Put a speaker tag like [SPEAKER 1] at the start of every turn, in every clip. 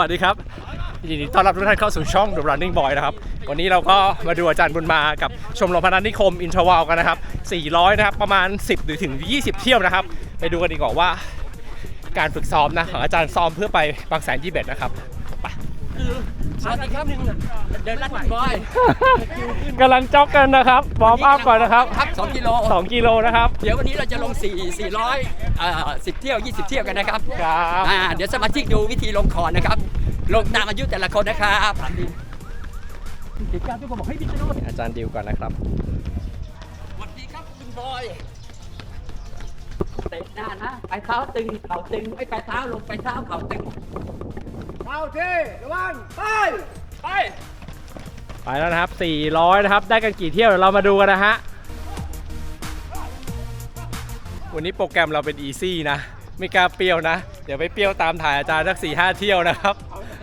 [SPEAKER 1] วัสดีครับยินดีต้อนรับทุกท่านเข้าสู่ช่อง The Running Boy นะครับวันนี้เราก็มาดูอาจารย์บุญมากับชมรมพนัสนิคมอินทรวัลกันนะครับ400นะครับประมาณ10หรือถึง20เที่ยวนะครับไปดูกันดีกว่าว่าการฝึกซ้อมนะของอาจารย์ซ้อมเพื่อไปบางแสน21นะครับ
[SPEAKER 2] สวัสดีครับเดินลัดบอย
[SPEAKER 1] กำลังจ็อกกันนะครับวอร์มอัพก่อนนะครับ
[SPEAKER 2] 2 กิโล
[SPEAKER 1] 2 กิโลนะครับ
[SPEAKER 2] เดี๋ยววันนี้เราจะลง10 เที่ยว20 เที่ยวกันนะครับเดี๋ยวสมาชิกดูวิธีลงคอนะครับลงตามอายุแต่ละคนนะครับกิจกรรมทุกคนบอกให้พี่โน้ต
[SPEAKER 1] อาจารย์ดิวก่อนนะครับ
[SPEAKER 2] สวัสดีครับคุณบอยเตะหน้านะไปเท้าตึงเข่าตึงไม่ไปเท้าลงไปเท้าเข่าตึง
[SPEAKER 3] เข้าที่ระวัง
[SPEAKER 1] ไปแล้วนะครับ400นะครับได้กันกี่เที่ยวเดี๋ยวเรามาดูกันนะฮะวันนี้โปรแกรมเราเป็นอีซี่นะไม่กล้าเปรี้ยวนะเดี๋ยวไปเปรี้ยวตามถ่ายอาจารย์สัก 4-5 เที่ยวนะครับ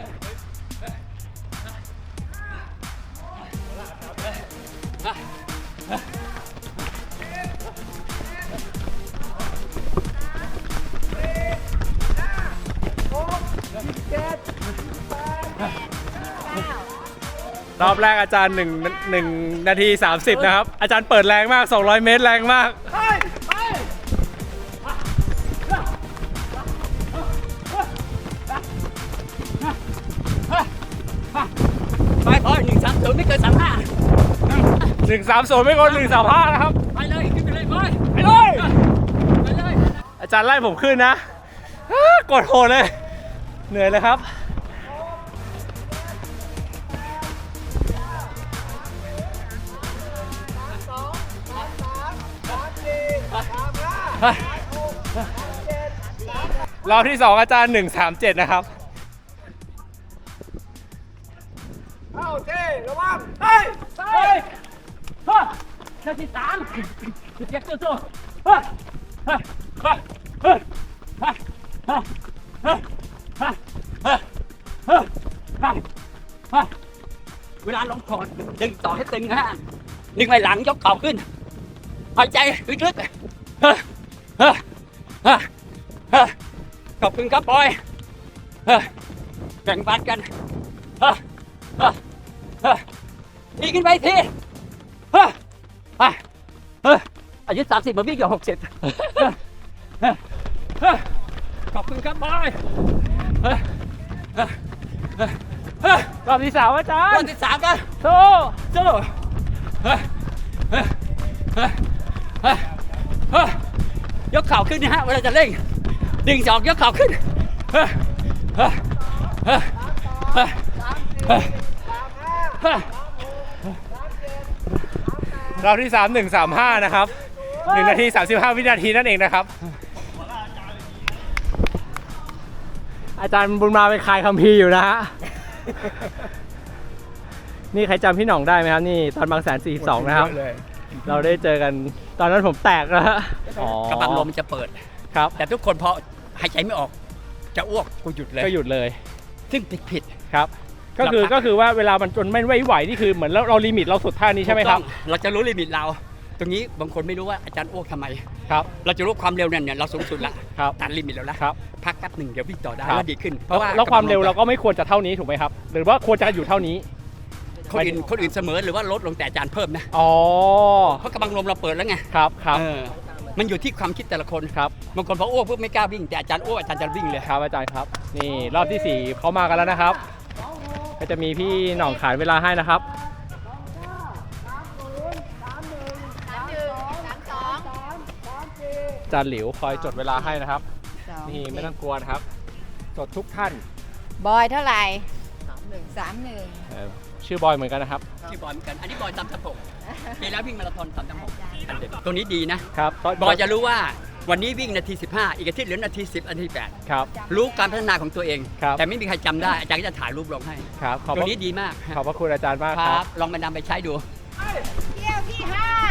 [SPEAKER 1] รอบแรกอาจารย์1 นาที 30นะครับอาจารย์เปิดแรงมาก200 เมตรแรงมาก
[SPEAKER 2] ไปพอ130ไม่เกิน35
[SPEAKER 1] 130ไม่เกิน135นะครับ
[SPEAKER 2] ไปเลยขึ้นไปเลยบอย
[SPEAKER 1] ไปเลยอาจารย์ไล่ผมขึ้นนะกดโหดเลยเหนื่อยเลยครับรอบที่2อาจารย์137นะครับ
[SPEAKER 3] เข้าที่ระวัง
[SPEAKER 2] นาที3เจ็บสู้เวลาลงคอดึงต่อให้ตึงฮะดึงไปหลังยกเข่าขึ้นหายใจลึกๆขอบคุณครับบอยแบ่งปันกันทีขึ้นไปทีอายุ30มาวิ่งอยู่60ขอบคุณครับบอย
[SPEAKER 1] รอบที่3อาจารย์
[SPEAKER 2] รอบที่3กัน
[SPEAKER 1] สู้
[SPEAKER 2] ยกเข่าขึ้นนะฮะเวลาจะเร่งดึง2ยกเข่าขึ้น
[SPEAKER 1] รอบที่3 135นะครับ1 นาที 35 วินาทีนั่นเองนะครับอาจารย์บุญมาไปคายคัมภีร์อยู่นะฮะนี่ใครจำพี่หน่องได้ไหมครับนี่ตอนบางแสน42นะครับเราได้เจอกันตอนนั้นผมแตกแล้วฮะ
[SPEAKER 2] กระบังลมจะเปิด
[SPEAKER 1] ครับ
[SPEAKER 2] แต่ทุกคนพอหายใจไม่ออกจะอ้วกกูหยุดเลย
[SPEAKER 1] ก็หยุดเลย
[SPEAKER 2] ซึ่งผิด
[SPEAKER 1] ครับก็คือว่าเวลามันจนไม่ไหวนี่คือเหมือนเราลิมิตเราสุดท่านี้ใช่ไหมครับ
[SPEAKER 2] เราจะรู้ลิมิตเราตรงนี้บางคนไม่รู้ว่าอาจารย์อ้วกทำไม
[SPEAKER 1] ครับ
[SPEAKER 2] เราจะรู้ความเร็วเนี่ยเราสูงสุดละตัดลิมิตแล้วนะครับพักแป๊บหนึ่งเดี๋ยววิ่งต่อได้แล้วดีขึ้น
[SPEAKER 1] เพราะว่าแล้วความเร็วเราก็ไม่ควรจะเท่านี้ถูกไหมครับหรือว่าควรจะอยู่เท่านี้
[SPEAKER 2] คนอื่นเสมอหรือว่าลดลงแต่อาจารย์เพิ่มนะเพราะกระบังลมเราเปิดแล้วไง
[SPEAKER 1] ครับ
[SPEAKER 2] มันอยู่ที่ความคิดแต่ละคน
[SPEAKER 1] ครับ
[SPEAKER 2] บางคนพออ้วกปุ๊บไม่กล้าวิ่งแต่อาจารย์อ้วกอาจารย์จะวิ่งเลย
[SPEAKER 1] ครับอาจารย์ครับนี่รอบที่4เขามากันแล้วนะครับก็จะมีพี่หน่องขานเวลาให้นะครับอาจารย์หลิวคอยจดเวลาให้นะครับนี่ไม่ต้องกลัวนะครับจดทุกท่าน
[SPEAKER 4] บอยเท่าไหร่31
[SPEAKER 1] ชื่อบอยเหมือนกันนะครับ
[SPEAKER 2] ชื่อบอยเหมือนกันอันนี้บอยตามตะพงปีแล้ววิ่งมาราธอน3.6ตัวนี้ดีนะครับบอยจะรู้ว่าวันนี้วิ่งนาที15อีกอาทิตย์เหลือนาที10นาที8
[SPEAKER 1] ครับ
[SPEAKER 2] รู้การพัฒนาของตัวเองแต่ไม่มีใครจำได้อาจารย์ก็จะถ่ายรูปลงให้
[SPEAKER 1] ครับ
[SPEAKER 2] ตัวนี้ดีมาก
[SPEAKER 1] ขอบพระคุณอาจารย์มากครับ
[SPEAKER 2] ลองไปนำไปใช้ดู
[SPEAKER 4] เที่ยวที่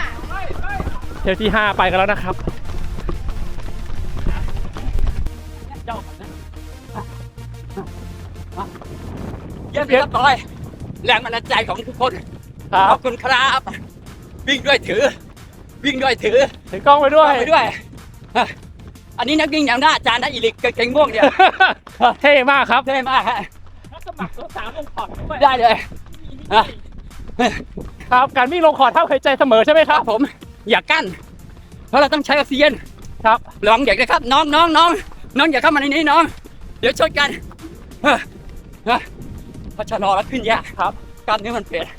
[SPEAKER 1] 5ไปกันแล้วนะครับ
[SPEAKER 2] เยี่ยมเลยครับบอยแรงบันดาลใจของทุกคนขอบคุณครับวิ่งด้วยถื
[SPEAKER 1] อกล้องไปด้วย
[SPEAKER 2] อันนี้นักวิ่งอย่างหน้าอาจารย์นะอีลิกเก่งม่วงเนี่ย
[SPEAKER 1] เท่มากครับ
[SPEAKER 2] เท่มากฮะ
[SPEAKER 1] 3ลงขอดด้วย
[SPEAKER 2] ได้เลยอ่ะ
[SPEAKER 1] ครับการวิ่งลงขอดเท่าหายใจเสมอใช่ไหมค
[SPEAKER 2] ค
[SPEAKER 1] รั
[SPEAKER 2] รับ บผมอย่ากั้นเพราะเราต้องใช้ออกซิเจน
[SPEAKER 1] ครับ
[SPEAKER 2] ลองอยากนะครับน้องอย่าเข้ามาในนี้น้องเดี๋ยวชนกันพอชะลอแล้วขึ้นยาก
[SPEAKER 1] ครับ
[SPEAKER 2] กล้ามเนื้อมันเปลี่ยน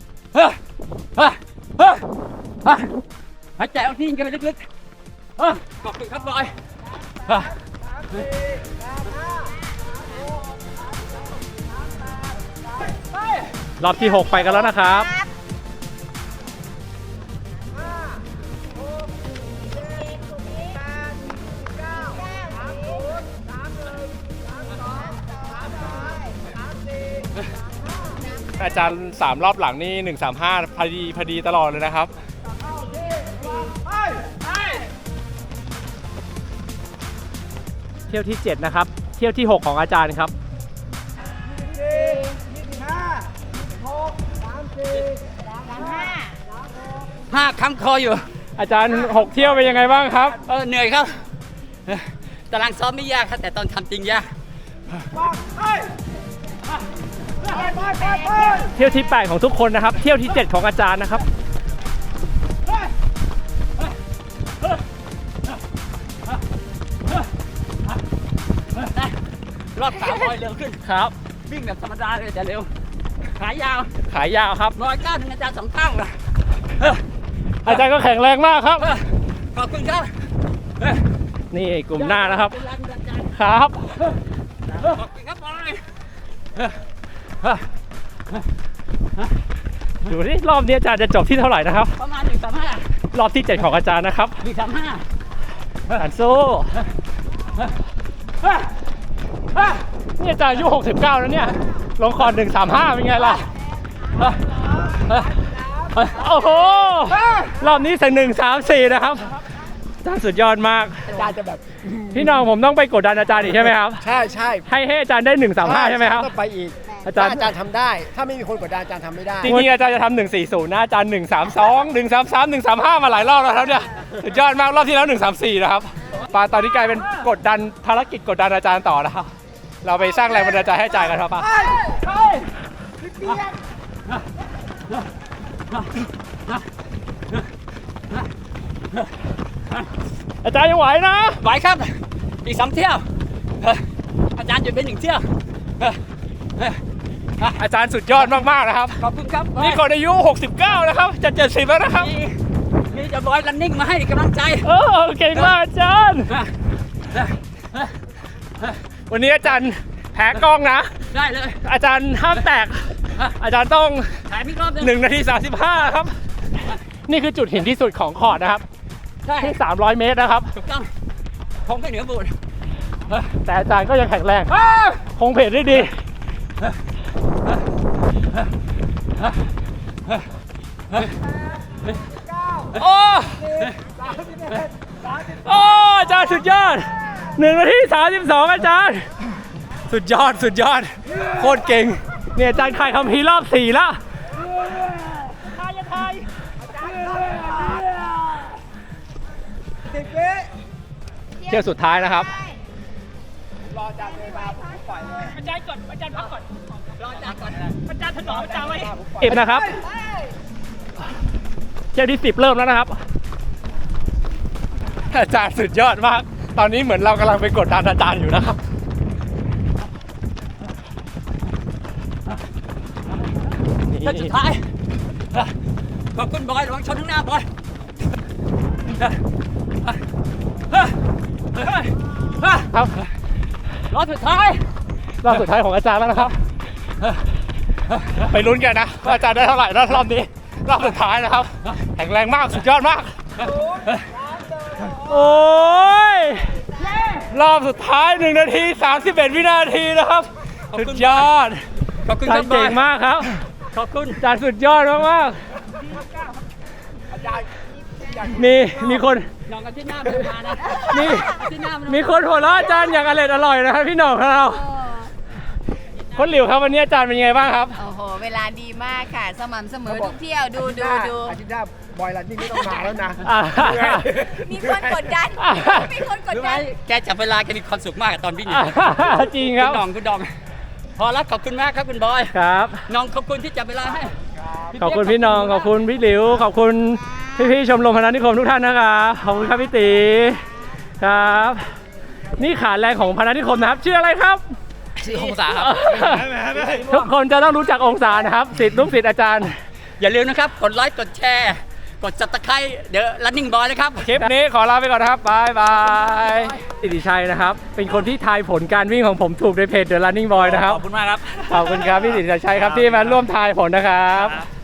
[SPEAKER 2] หายใจออกซิเจนกันไปลึกๆขอบคุณครับบอย
[SPEAKER 1] รอบที่ 6 ไปกันแล้วนะครับ อาจารย์3รอบหลังนี่135พอดีตลอดเลยนะครับ เที่ยวที่ 7 นะครับ เที่ยวที่ 6 ของอาจารย์ครับ
[SPEAKER 2] 5 คำคออยู่
[SPEAKER 1] อาจารย์ 6 เที่ยวเป็นยังไงบ้างครับ
[SPEAKER 2] เหนื่อยครับตารางซ้อมไม่ยากครับแต่ตอนทำจริงยาก
[SPEAKER 1] เที่ยวที่ 8 ของทุกคนนะครับ เที่ยวที่ 7 ของอาจารย์นะครับ
[SPEAKER 2] รอบ3บอยเร็วขึ้น
[SPEAKER 1] ครับ
[SPEAKER 2] วิ่งแบบธรรมดาเลยแต่เร็วขายาว
[SPEAKER 1] ขายาวครับ
[SPEAKER 2] 109ถึงอาจารย์2ข้างเลย
[SPEAKER 1] อาจารย์ก็แข็งแรงมากครับ
[SPEAKER 2] ขอบคุณครับ
[SPEAKER 1] นี่กลุ่มหน้านะครับ
[SPEAKER 2] เป็นแรงบันดาลใจ
[SPEAKER 1] ครับ
[SPEAKER 2] ขอบคุณครับบอย
[SPEAKER 1] ดูนี่รอบนี้อาจารย์จะจบที่เท่าไหร่นะครับ
[SPEAKER 2] ประมาณ135
[SPEAKER 1] รอบที่ 7 ของอาจารย์นะครับ
[SPEAKER 2] 135
[SPEAKER 1] อาจารย์สู้นี่อาจารย์อายุ69แล้วเนี่ย ลงคอร์ด135เป็นไงล่ะ โอ้โห รอบนี้ถึง134นะครับ อาจารย์สุดยอดมาก
[SPEAKER 3] อาจารย์จะแบบ
[SPEAKER 1] พี่น้องผมต้องไปกดดันอาจารย์อีกใช่ไหมครับ
[SPEAKER 3] ใช่ใช่
[SPEAKER 1] ให้อาจารย์ได้135ใช่ไหมครับ
[SPEAKER 3] ต้องไปอีก
[SPEAKER 1] อาจารย์
[SPEAKER 3] ถ้าอาจารย์ทำได้ ถ้าไม่มีคนกดดันอาจารย์ทำไม่ได้
[SPEAKER 1] จริงๆอาจารย์จะทำ140นะอาจารย์132 133 135มาหลายรอบแล้วครับเนี่ยสุดยอดมากรอบที่แล้ว134นะครับปาตอนนี้กลายเป็นกดดันภารกิจกดดันอาจารย์ต่อนะครับเราไปสร้างแรงบันดาลใจให้อาจารย์กันครับป้าอาจารย์ยังไหวนะ
[SPEAKER 2] ไหวครับอีก2เที่ยวอาจารย์หยุดไป1เที่ยว
[SPEAKER 1] อาจารย์สุดยอดมากๆนะครับ
[SPEAKER 2] ขอบคุณครับ
[SPEAKER 1] นี่คนอายุ69นะครับจะ70แล้วนะครับ
[SPEAKER 2] มีจะบอยรันนิ่งมาให้กำลังใจ
[SPEAKER 1] เก่งมากอาจารย์วันนี้อาจารย์แพ้กล้องนะ
[SPEAKER 2] ได้เลย
[SPEAKER 1] อาจารย์ห้ามแตก อาจารย์ต้อง
[SPEAKER 2] ถ่ายอีกรอบนึง
[SPEAKER 1] 1 นาที 35 ครับ นี่คือจุดหินที่สุดของคอร์ดนะครับ
[SPEAKER 2] ใช่
[SPEAKER 1] ที่ 300 เมตรนะครับ
[SPEAKER 2] ถูกต้องผมก็เหนือบูด
[SPEAKER 1] แต่อาจารย์ก็ยังแข็งแรง คงเพจได้ดี โอ้อาจารย์สุดยอด1 นาที 32 อาจารย์ สุดยอดโคตรเก่งเนี่ยอาจารย์ถ่ายคัมภีร์รอบ 4 แล้วเที่ยวสุดท้ายนะครับ
[SPEAKER 3] รออาจารย์เลยมาผมปล่อยเลย
[SPEAKER 1] อาจารย์ก่อนอาจารย์พักก่อน
[SPEAKER 2] รออาจารย์ก่อน
[SPEAKER 1] อาจารย์ถนอมอาจารย์ไว้10นะครับเที่ยวที่ 10 เริ่มแล้วนะครับ อาจารย์สุดยอดมาก ตอนนี้เหมือนเรากำลังไปกดดันอาจารย์อยู่นะครับ
[SPEAKER 2] เส้นสุดท้ายขอบคุณบอยระวังชนข้างหน้าบอย
[SPEAKER 1] ครับ
[SPEAKER 2] รอบสุดท้าย
[SPEAKER 1] รอบสุดท้ายของอาจารย์แล้วนะครับ ไปลุ้นกันนะว่าอาจารย์ได้เท่าไหร่แล้วรอบนี้ รอบสุดท้ายนะครับ แข็งแรงมากสุดยอดมาก โอ้ย รอบสุดท้าย 1 นาที 31 วินาทีนะครับ สุดยอด
[SPEAKER 2] ขอบคุณ
[SPEAKER 1] อา
[SPEAKER 2] ค
[SPEAKER 1] จา
[SPEAKER 2] รั
[SPEAKER 1] ร
[SPEAKER 2] บ
[SPEAKER 1] ย์เก่งมากครับ
[SPEAKER 2] ขอบคุณ
[SPEAKER 1] อาจารย์สุดยอดมากๆมีคน
[SPEAKER 2] น้องกันที่หน้ามันมานะ
[SPEAKER 1] มี
[SPEAKER 2] ที่หน้ามัน
[SPEAKER 1] มีคนหัวเราะอาจารย์อย่างอร่อยนะครับพี่หน่องของเราคนหลิวครับวันนี้อาจารย์เป็นยังไงบ้างครับ
[SPEAKER 4] โอ้โห เวลาดีมากค่ะ สม่ำเสมอทุกเที่ยว ดู
[SPEAKER 3] อาทิตย์หน้าบอยรันนิ่งไม่ต้องมาแล้วนะ
[SPEAKER 1] อ่า
[SPEAKER 4] มีคนกดดัน มีคนกด
[SPEAKER 2] รู้ไหม
[SPEAKER 4] ดัน
[SPEAKER 2] แกจับเวลาแกมีความสุขมากกับตอนวิ่ง
[SPEAKER 1] จริงครับ
[SPEAKER 2] คุณดองพอแล้วขอบคุณมากครับคุณบอย
[SPEAKER 1] ครับ
[SPEAKER 2] น้องขอบคุณที่จับเวลาให้
[SPEAKER 1] ขอบคุณพี่น้องขอบคุณพี่หลิวขอบคุณพี่ๆชมรมพนัสนิคมทุกท่านนะครับขอบคุณครับพี่ตีครับ นี่ขาแรงของพนัสนิคมนะครับชื่ออะไรครับ
[SPEAKER 2] ชื่อองศาครับ
[SPEAKER 1] ทุกคนจะต้องรู้จักองศานะครับศิษย์ลูกศิษย์อาจารย์
[SPEAKER 2] อย่าลืมนะครับกดไลค์กดแชร์กดซับสไครต์เดี๋ยว running boy นะครับ
[SPEAKER 1] คลิปนี้ขอลาไปก่อนนะครับบายบายสิริชัยนะครับเป็นคนที่ทายผลการวิ่งของผมถูกในเพจ The Running Boy นะครับ
[SPEAKER 5] ขอบคุณมากครับ
[SPEAKER 1] ขอบคุณครับพี่สิริชัยครับที่มาร่วมทายผลนะครับ